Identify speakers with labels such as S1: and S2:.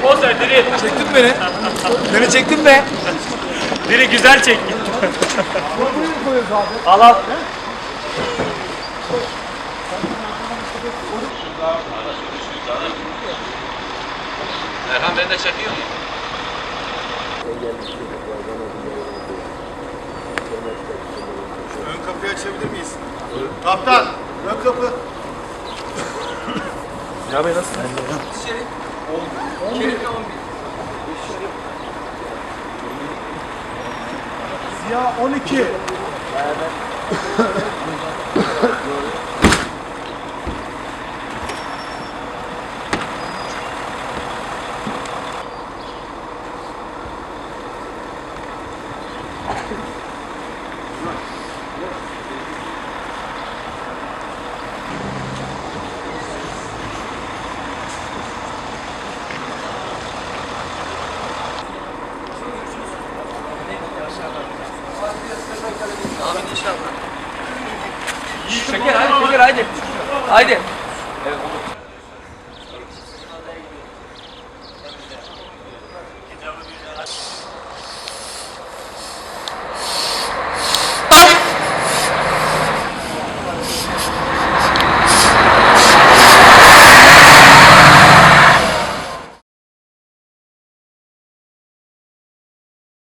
S1: poz ver Diri.
S2: Çektin beni. Beni çektin be.
S1: Diri güzel çek. Al al.
S3: Erhan beni de çekiyor mu?
S2: Ön kapıyı açabilir miyiz? Kaptan, ön kapı.
S1: Ya bey nasıl?
S2: Ziya 12.
S3: Şeker hadi, Şeker hadi. Haydi.